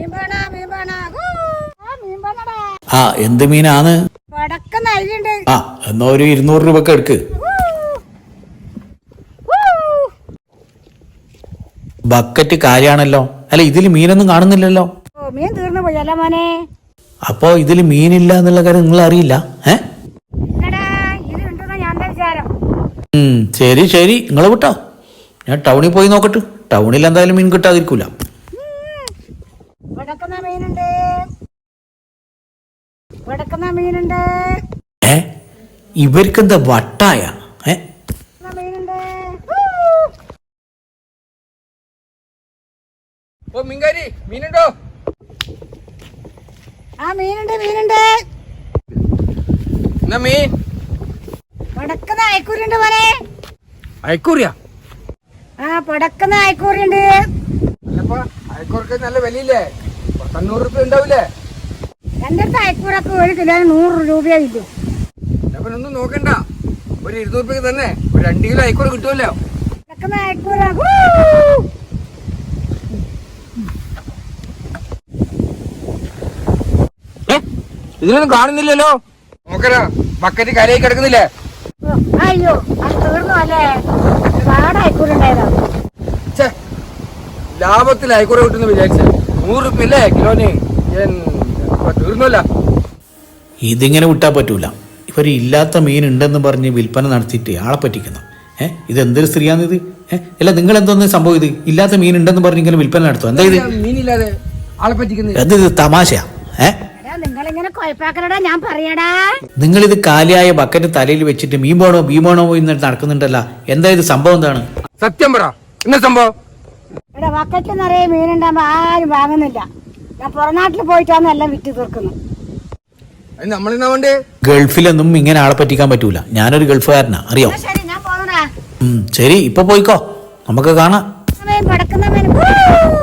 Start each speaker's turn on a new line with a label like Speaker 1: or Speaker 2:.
Speaker 1: ആ എന്ത് മീനാണ്? ആ എന്നാ ഒരു 200 രൂപക്ക് എടുക്ക്. ബക്കറ്റ് കാര്യാണല്ലോ. അല്ല ഇതില് മീനൊന്നും കാണുന്നില്ലല്ലോ.
Speaker 2: മീൻ തീർന്നു പോയല്ലോ മോനെ.
Speaker 1: അപ്പൊ ഇതില് മീനില്ല എന്നുള്ള കാര്യം നിങ്ങൾ അറിയില്ല? ശരി ശരി നിങ്ങൾ വിട്ടോ, ഞാൻ ടൗണിൽ പോയി നോക്കട്ടെ. ടൗണിൽ എന്തായാലും മീൻ കിട്ടാതിരിക്കൂല. ഇവർക്കെന്താ വട്ടായ?
Speaker 3: മീനുണ്ടോ?
Speaker 2: ആ മീനുണ്ട് മീനുണ്ട്.
Speaker 3: മീൻ
Speaker 2: പടക്കുന്ന അയക്കൂരുണ്ട് മോനെ.
Speaker 3: അയക്കൂറിയാ?
Speaker 2: ആ പടക്കുന്ന അയക്കൂറുണ്ട്.
Speaker 3: അയക്കൂർക്ക് നല്ല വിലയില്ലേ? 100 രൂപ ഉണ്ടാവില്ലേ?
Speaker 2: എന്റെ അടുത്ത് അയക്കൂറൊക്കെ 1 കിലോന് 100 രൂപയായില്ലേ.
Speaker 3: ഒന്നും നോക്കണ്ട, ഒരു 200 രൂപയ്ക്ക് തന്നെ ഒരു 2 കിലോ അയക്കൂറ കിട്ടുമല്ലോ.
Speaker 2: പടക്കുന്ന അയക്കൂറ
Speaker 3: ഇതിനൊന്നും കാണുന്നില്ലല്ലോ. നോക്കരാ, ബക്കറ്റ് കരയായി കിടക്കുന്നില്ലേ?
Speaker 2: അയ്യോ അത് തീർന്നു അല്ലേ? ഒരുപാട് അയക്കൂറുണ്ടായതാ.
Speaker 3: ലാഭത്തിൽ അയക്കൂറ കിട്ടുന്ന വിചാരിച്ച 100 രൂപ അല്ലേ കിലോന്? തീർന്നല്ല.
Speaker 1: ഇതിങ്ങനെ വിട്ടാ പറ്റൂല. ഇവര് ഇല്ലാത്ത മീൻ ഉണ്ടെന്ന് പറഞ്ഞ് വിൽപ്പന നടത്തിയിട്ട് ആളെ പറ്റിക്കുന്നു. ഇതെന്തൊരു സ്ത്രീയാണിത്? അല്ല നിങ്ങൾ എന്തോന്ന് സംഭവം? ഇത് ഇല്ലാത്ത മീൻ ഉണ്ടെന്ന് പറഞ്ഞ് ഇങ്ങനെ വിൽപ്പന നടത്തും? എന്താ ഇത്?
Speaker 3: മീനില്ലാതെ ആളെ പറ്റിക്കുന്നത്
Speaker 1: എന്ത് തമാശയാ?
Speaker 2: നിങ്ങളിങ്ങനെ കൊഴപ്പാക്കലടാ, ഞാൻ പറയടാ.
Speaker 1: നിങ്ങളിത് കാലിയായ ബക്കറ്റ് തലയിൽ വെച്ചിട്ട് മീൻ വേണോ എന്നിട്ട് നടക്കുന്നുണ്ടല്ലോ. എന്താ ഇത് സംഭവം? എന്താണ്
Speaker 3: സത്യം പറ, എന്താ സംഭവം?
Speaker 2: ഇവിടെ ബക്കറ്റ് നിറയെ മീനുണ്ടാകുമ്പോ ആരും വാങ്ങുന്നില്ല. ഞാൻ പുറനാട്ടിൽ പോയിട്ടാണ് എല്ലാം വിറ്റ് തീർക്കുന്നു.
Speaker 1: ഗൾഫിലൊന്നും ഇങ്ങനെ ആളെ പറ്റിക്കാൻ പറ്റൂല. ഞാനൊരു ഗൾഫുകാരനാ, അറിയോ?
Speaker 2: ശരി ഞാൻ പോകണ.
Speaker 1: ശരി ഇപ്പൊ പോയിക്കോ, നമുക്ക് കാണാം.
Speaker 2: പടക്കുന്ന